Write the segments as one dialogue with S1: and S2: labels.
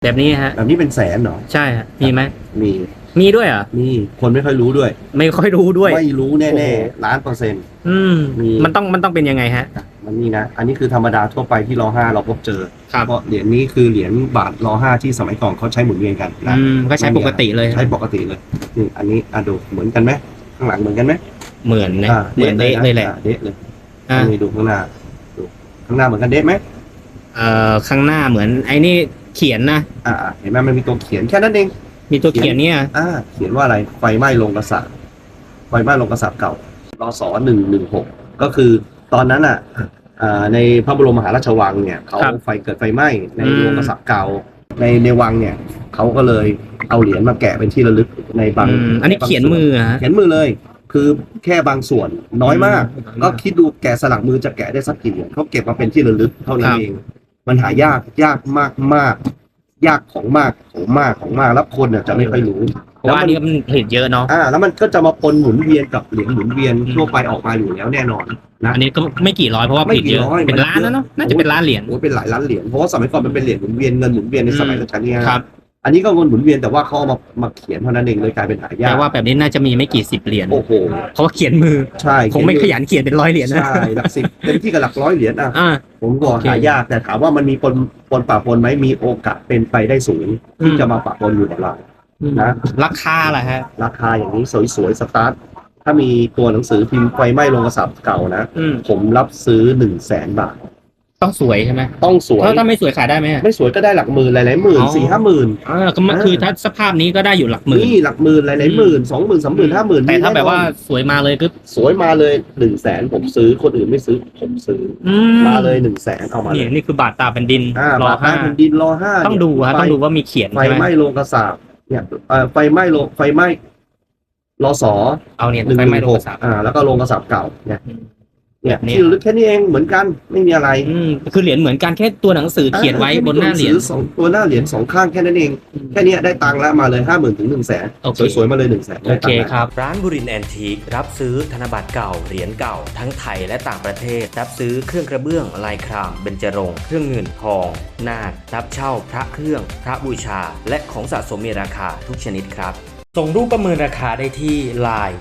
S1: แบบนี้ฮะ
S2: แบบนี้เป็นแสนเหรอ
S1: ใช่ฮะมีไหม
S2: มี
S1: มีด้วยเหรอ
S2: มีคนไม่ค่อยรู้ด้วย
S1: ไม่ค่อยรู้ด้วย
S2: ไม่รู้แน่
S1: โอ้โห
S2: ๆ1,000,000%มี
S1: มันต้องเป็นยังไงฮะ
S2: มันนี่นะอันนี้คือธรรมดาทั่วไปที่ร.5เราพบเจอ
S1: ครับ
S2: เพราะเหรียญนี้คือเหรียญบาทร.5ที่สมัยก่อนเขาใช้หมุนเวียนกันนะ
S1: ก็ใช้ปกติเลย
S2: ใช้ปกติเลยนี่อันนี้ดูเหมือนกันไหมข้างหลังเหมือนกันไหม
S1: เหมือนนะเหมือนเดะเลยแหละ
S2: เดะเลยนี่ดูข้างหน้าดูข้างหน้าเหมือนกันเดะไหม
S1: ข้างหน้าเหมือนไอ้นี่เขียนนะ
S2: เห็นไหมมันมีตัวเขียนแค่นั้นเอง
S1: มีตัวเขียนเนี่ย
S2: เขียนว่าอะไรไฟไหม้โรงกษาปณ์ไฟไหม้โรงกษาปณ์เก่ารศ116ก็คือตอนนั้นในพระบรมมหาราชวังเนี่ยเขาเกิดไฟไหม้ในโรงกษาปณ์เก่าในวังเนี่ยเขาก็เลยเอาเหรียญมาแกะเป็นที่ระลึกในบาง
S1: อันนี้เขียนมือ
S2: เขียนมือเลยคือแค่บางส่วนน้อยมากก็คิดดูแกะสลักมือจะแกะได้สักกี่เหรียญเขาเก็บมาเป็นที่ระลึกเท่านั้นเองมันหายากมากยากของมากแล้วคนเนี่ยจะไม่ค่อยรู้
S1: เพราะว่านี่มันผลิตเยอะเนาะ
S2: แล้วมันก็จะมาปนหมุนเวียนกับเหรียญหมุนเวียนทั่วไปออกมาอยู่แล้วแน่นอนนะ
S1: อันนี้ก็ไม่กี่ร้อยเพราะว่าผลิตเยอะเป็นล้านนะเนาะน่าจะเป็นล้านเหรียญ
S2: เป็นหลายล้านเหรียญเพราะว่าสมัยก่อนมันเป็นเหรียญหมุนเวียนเงินหมุนเวียนในสมัยรัชกาลที่5
S1: ครับ
S2: อันนี้ก็เงินหมุนเวียนแต่ว่าเขาเอามาเขียนเท่านั้นเองเลยกลายเป็นหายาก
S1: แต่ว่าแบบนี้น่าจะมีไม่กี่10เหรียญ
S2: โอ้โห
S1: เพราะว่าเขียนมือ
S2: ใช่
S1: คงไม่ขยันเขียนเป็น100เหรียญนะ
S2: ใช่หลัก10เต็มที่กับหลัก100เหรียญผมก็หายากแต่ถามว่ามันมีปนปะปนไหมมีโอกาสเป็นไปได้สูงที่จะมาปะปนอยู่กับเรานะ
S1: ราคาล่ะฮะ
S2: ราคาอย่างนี้สวยๆสตาร์ทถ้ามีตัวหนังสือพิมพ์ไฟไหม้โรงกษาปณ์เก่านะผมรับซื้อ100,000 บาท
S1: ต้องสวยใช่ไหม
S2: ต้องสวย
S1: ถ้าไม่สวยขายได้ไหม
S2: ไม่สวยก็ได้หลักหมื่นหลายๆหมื่น4-5 หมื่น
S1: ก็คือถ้าสภาพนี้ก็ได้อยู่หลักหมื่น
S2: นี่หลักหมื่นหลายๆหมื่น20,000 30,000 50,000
S1: แต่ถ้าแบบว่าสวยมาเลยก็
S2: สวยมาเลย100,000ผมซื้อคนอื่นไม่ซื้อผมซื้อมาเลย100,000เอามาเลย
S1: นี่คือบาทตาแผ่นดิน
S2: บาทตาแผ่นดินร.5
S1: ต้องดูว่ามีเขียน
S2: ไฟไหม้โรงกษาปณ์เนี่ยไฟไหม้รศ
S1: เอาเนี่ยไฟไหม้โรงกษาปณ์
S2: แล้วก็โรงกษาปณ์เก่าเนี่ยที่ลึกแค่นี้เองเหมือนกันไม่มีอะไร
S1: คือเหรียญเหมือนกันแค่ตัวหนังสือเขียนไว้บนหน้าเหรียญ
S2: ตัวหน้าเหรียญ2ข้างแค่นั้นเองแค่นี้ได้ตังค์แล้วมาเลย 50,000 ถึง 100,000 สวยๆมาเลย100,000
S1: โอเคครับ
S3: ร้านบุรินทร์แอนทีครับซื้อธนบัตรเก่าเหรียญเก่าทั้งไทยและต่างประเทศรับซื้อเครื่องกระเบื้องลายครามเบญจรงค์เครื่องเงินทองนาครับเช่าพระเครื่องพระบูชาและของสะสมมีราคาทุกชนิดครับส่งรูปประเมินราคาได้ที่ Line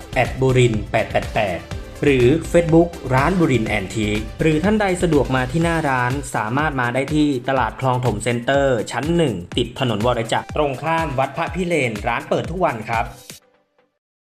S3: @burin888หรือ Facebook ร้านบุรินทร์แอนทีคหรือท่านใดสะดวกมาที่หน้าร้านสามารถมาได้ที่ตลาดคลองถมเซ็นเตอร์ชั้น1ติดถนนวรจักรตรงข้ามวัดพระพิเรนร้านเปิดทุกวันครับ